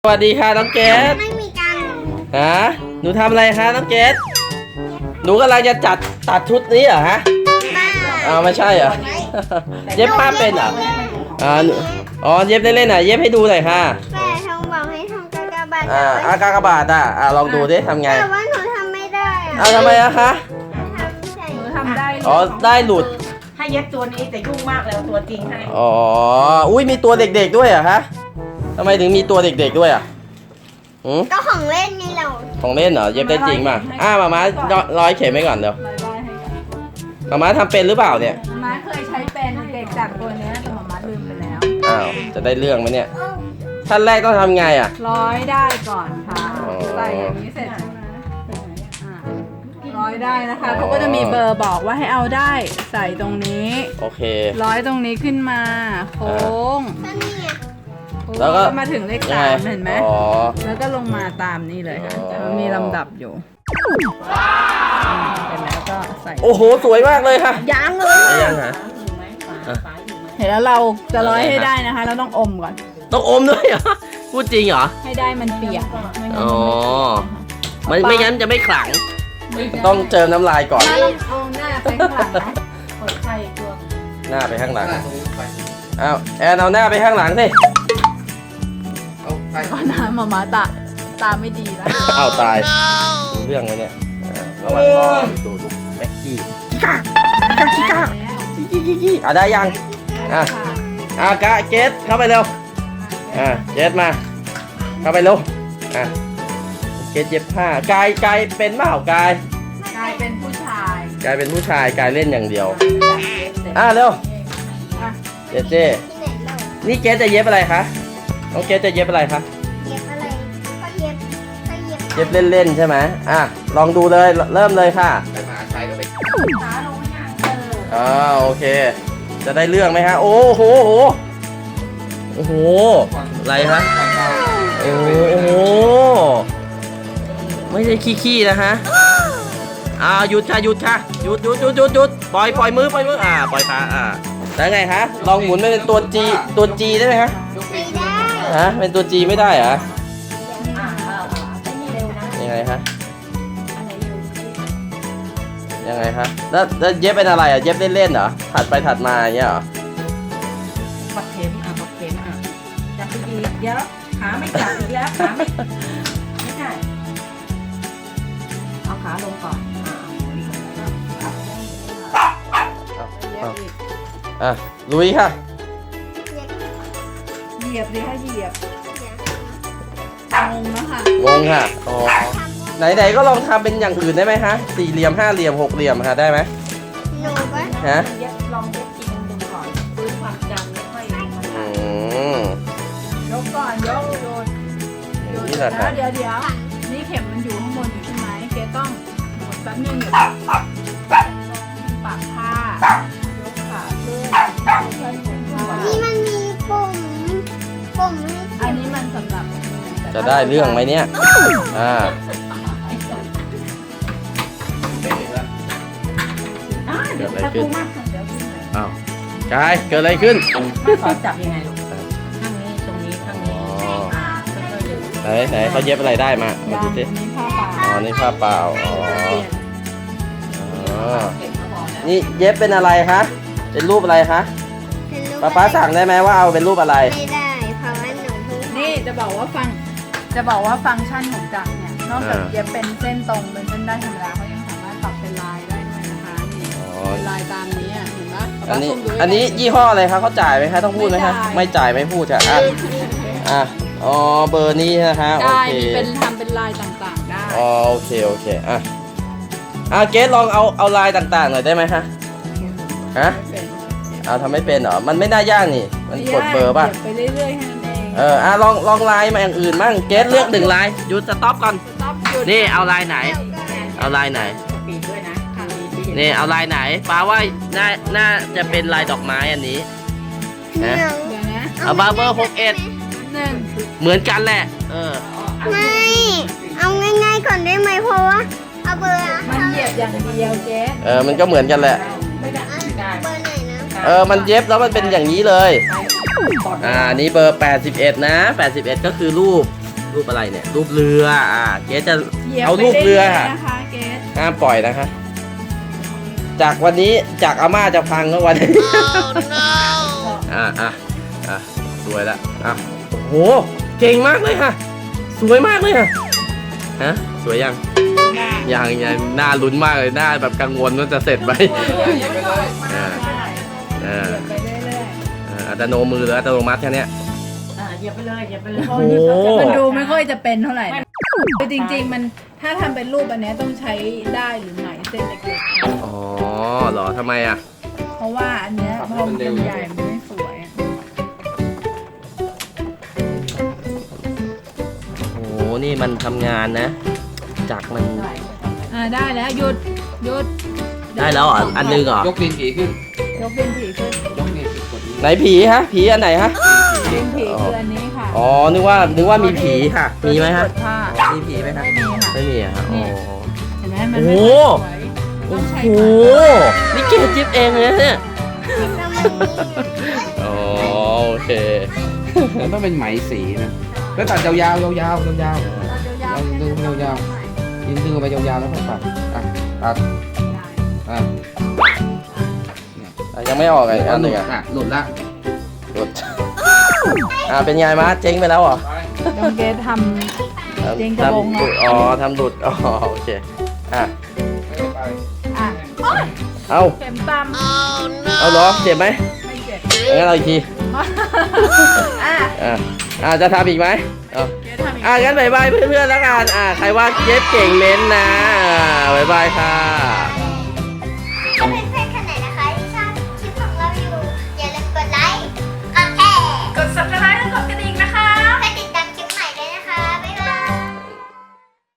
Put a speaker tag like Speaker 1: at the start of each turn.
Speaker 1: สวัสดีค่ะน้องเกด
Speaker 2: ไม่มีการ
Speaker 1: ฮะหนูทำอะไรคะน้องเกดหนูกำลังจะตัดชุดนี้เหรอฮะไม่ใช่เหรอเย็บผ้าเป็นเหรอเย็บเล่นๆเย็บให้ดูหน่อยค่ะ
Speaker 2: แม่ทองบอกให้ทำกากบาท
Speaker 1: กากบาทลองดูดิทำไง
Speaker 2: แต่ว่าหนูทำไม่ได้
Speaker 1: ทำไมอะคะ
Speaker 2: หนูทำได้
Speaker 1: ได้หลุด
Speaker 3: ให้เย็บตัวนี้แต่ยุ่งมากเลยตัวจริงให้
Speaker 1: อุ้ยมีตัวเด็กๆด้วยเหรอคะทำไมถึงมีตัวเด็กๆด้วยอะ
Speaker 2: ก็ของเล่นไงเรา
Speaker 1: ของเล่นเหรอเย็บได้จริงป่ะมาม่าร้อยเข็มไว้ก่อนเดี๋ยวมาม่าทำเป็นหรือเปล่าเนี่ย
Speaker 3: ม้าเคยใช้เป็นเด็กจากตัวนี้แต่มาม่าลืมไปแล้ว
Speaker 1: จะได้เรื่องไหมเนี่ยขั้นแรกต้องทำไงอ่ะ
Speaker 3: ร้อยได้ก่อนค่ะใส่อย่างนี้เสร็จร้อยได้นะคะเขาก็จะมีเบอร์บอกว่าให้เอาได้ใส่ตรงนี้
Speaker 1: โอเค
Speaker 3: ร้อยตรงนี้ขึ้นมาโค้ง
Speaker 1: แล้วก็
Speaker 3: มาถึงเลข3เห็นไหมแล้วก็ลงมาตามนี่เลยค่ะมันมีลำดับอยู่เสร็จแล้วก็ใส่
Speaker 1: โอ้โหสวยมากเลยค่ะ
Speaker 3: ยังเลย
Speaker 1: ยังฮะ
Speaker 3: เห็นแล้วเราจะร้อยให้ได้นะคะเราต้องอมก่อน
Speaker 1: ต้องอมด้วยเหรอพูดจริงเหรอ
Speaker 3: ให้ได้มันเปียก
Speaker 1: ไม่งั้นจะไม่ขลังต้องเจิมน้ำลายก่อน
Speaker 3: เอาหน้าไปข้างหลังนะกดไข่ตัว
Speaker 1: หน้าไปข้างหลังแอนเอาหน้าไปข้างหลังสิ
Speaker 3: ก็น้ำมาตาไม่ดีแล้ว
Speaker 1: ตายเรื่องเลยเนี่ยระวังดูแม็กกี้ได้ยังกะเกตเข้าไปเร็วเกตมาเข้าไปเร็วเกตเย็บผ้ากายเป็นเปล่ากาย
Speaker 3: เป็นผู้ชาย
Speaker 1: กายเป็นผู้ชายกายเล่นอย่างเดียวเร็วเจนี่เกตจะเย็บอะไรคะน้องเกตจะเย็บอะไรคะเย็บเล่นๆใช่ไหมลองดูเลยเริ่มเลยค่ะโอเคจะได้เรื่องไหมฮะโอ้โหอะไรคะโอ้โหไม่ใช่ขี้นะฮะหยุดค่ะหยุดปล่อยมือปล่อยขาแล้วไงฮะลองหมุนเป็นตัวจีได้ไหมฮะ
Speaker 2: ไม่ได้
Speaker 1: เป็นตัวจีไม่ได้เหรอยังไงฮะแล้วเย็บเป็นอะไรเย็บเล่นๆเหรอถัดไปถัดมาอย่างเงี้ยเหรอ
Speaker 3: ปักเข็มจับดีๆเดี๋ยวขาไม่จับอีกแล้วขาไม่ใช่เอาขาลงก่อน
Speaker 1: ลุยค่ะ
Speaker 3: เหยียบเลยค่ะเหยียบงงนะคะ
Speaker 1: งงค่ะไหนก็ลองทำเป็นอย่างอื่นได้ไหมฮะสี่เหลี่ยมห้าเหลี่ยมหกเหลี่ยมค่ะได้ไหม
Speaker 2: หนูก็
Speaker 3: ลองเย็บจริงดูก่อนฟื้นความจำไม่ค่อยยกก่อนยกโยน
Speaker 1: นี่แหละค่ะ
Speaker 3: เดี๋ยวนี่เข็มมันอยู่ข้างบนอยู่ใช่ไหมเกต้องหมดแป๊บนึงปากผ้ายกขาขึ้น
Speaker 2: นี่มันมีปุ่ม
Speaker 3: อันนี้มันสำหรับ
Speaker 1: จะได้เรื่องไหมเนี่ยเกิดอะไรขึ้นกายเกิดอะไรขึ้น
Speaker 3: เขาจับยังไงลูกข้างนี้ตรงนี้ข้างนี้
Speaker 1: ไหนเขาเย็บอะไรได้มาดูสินี่ผ้าเปล่านี่เย็บเป็นอะไรคะเป็นรูปอะไรคะป้าสั่งได้ไหมว่าเอาเป็นรูปอะไร
Speaker 2: ไม่ได้เพราะว่าหนูเพิ่ง
Speaker 3: นี่จะบอกว่าฟังก์ชันของจักรเนี่ยนอกจากเย็บเป็นเส้นตรงเป็นเส้นได้ธรรมดาเขายังสามารถปรับเป็นลายได้ด้วยนะคะนี่เป็นลายตามนี้เห็นไหม
Speaker 1: อันนี้ยี่ห้ออะไรคะเขาจ่ายไหมคะต้องพูดไหมคะไม่จ่ายไม่พูดค่ะเบอร์นี้นะคะโอเค
Speaker 3: เป็นทำเป็นลายต่างๆได้
Speaker 1: โอเคเกสลองเอาลายต่างๆหน่อยได้ไหมคะทำไม่เป็นเหรอมันไม่น่ายากนี่มันกดเบอร์ป่ะ
Speaker 3: ไปเรื่อยๆแค่นั้นเอง
Speaker 1: ลองลายมาอย่างอื่นบ้างเกสเลือกหนึ่งลายหยุดสต็อปก่อนนี่เอาลายไหน
Speaker 3: ปีด้วยนะ
Speaker 1: นี่เอาลายไหนป้าว่าน่าจะเป็นลายดอกไม้อันนี้เอาเบอร์61เหมือนกันแหละ
Speaker 2: ไม่เอาง่ายๆก่อนได้ไหมเพราะว่าเอาเบอร์
Speaker 3: มันเหยียบอย่างเดียวเจ๊
Speaker 1: มันก็เหมือนกันแหละ
Speaker 2: เบอร์ไหน
Speaker 1: นะมันเย็บแล้วมันเป็นอย่างนี้เลยนี่เบอร์81นะ81ก็คือรูปรูปอะไรเนี่ย รูปเรือเกสจะ
Speaker 3: หยียบ
Speaker 1: เอารูปเรือ
Speaker 3: ไป
Speaker 1: ค่ะ
Speaker 3: ยๆนะคะเกส
Speaker 1: ห้ามปล่อยนะคะ จากวันนี้จากอาม่าจะพังก็วันนี้ สวยละโหเก่งมากเลยค่ะ สวยมากเลยค่ะฮะสวยยังยังหน้าลุ้นมากเลยหน้าแบบกังวลว่าจะเสร็จไหม
Speaker 3: ไปเรื่อย
Speaker 1: อัตโนมือหรืออัตโนมัติแค่เนี้ย
Speaker 4: เหยียบไปเลยเหยียบไปเลย
Speaker 3: ๆ
Speaker 1: โอ้โห
Speaker 3: มันดูไม่ค่อยจะเป็นเท่าไหร่นะคือจริงๆมันถ้าทำเป็นรูปอันเนี้ยต้องใช้ได้หรือไหมเส้นเล็ก
Speaker 1: อ๋อเหรอทำไมอ่ะ
Speaker 3: ๆเพราะว่าอันเนี้ยพอมันเป็นใหญ่มันไม่สวยอะ
Speaker 1: โอ้โหนี่มันทำงานนะจักรมัน
Speaker 3: ได้แล้วหยุด
Speaker 1: ได้แล้วเหรออันนึงเหรอย
Speaker 5: กดินผีขึ้น
Speaker 3: ยกเป็นผีขึ้น
Speaker 5: ยกดินผีกดนี้
Speaker 1: ไหนผีฮะผีอันไหนฮะ
Speaker 3: เป็นผีคืออันนี้ค่ะ
Speaker 1: อ๋อนึกว่ามีผีค่ะ มีไหมฮะ
Speaker 3: กดผ้า
Speaker 1: มีผีไหมครับ
Speaker 3: ไม่มีค่ะ
Speaker 1: ไม่มีอะครับ
Speaker 3: นี่
Speaker 1: อ๋อ
Speaker 3: เห็นไหมมัน
Speaker 1: โอ้
Speaker 3: ไม่
Speaker 1: โห
Speaker 3: ค่อยสวยต้องใช้
Speaker 1: โอ้โห
Speaker 3: ไม้
Speaker 1: นี่เกดจิ๊บเองเลยนะเนี่ยอ๋อโอเค
Speaker 5: มันต้องเป็นไหมสีนะแล้วตัดยาวๆยาวๆยาวๆยาวๆดึงยาวๆยินดึงออกไปยาวๆแล้วก็ตัดตัด
Speaker 1: ยังไม่ออกไงอันหนึ่ง
Speaker 5: หลุดละ
Speaker 1: หลุดเป็นไงมาเจ๊งไปแล้วเหรอ
Speaker 3: น้องเกดทำ เจ๊งกระบง
Speaker 1: ทำหลุดอ๋อทำหลุดอ๋อโอเค
Speaker 3: อ่ะ
Speaker 1: เอา
Speaker 3: เข็มตำ
Speaker 1: เอาเหรอเจ็บไหม
Speaker 3: ไม่เจ็บ
Speaker 1: งั้นเราอีกที
Speaker 3: อ่ะ
Speaker 1: จะทำอีกไหมเอา
Speaker 3: เกดทำอีก
Speaker 1: งั้นบายบายเพื่อนๆแล้วกันใครว่าเย็บเก่งเม้นต์นะบายบายค่ะ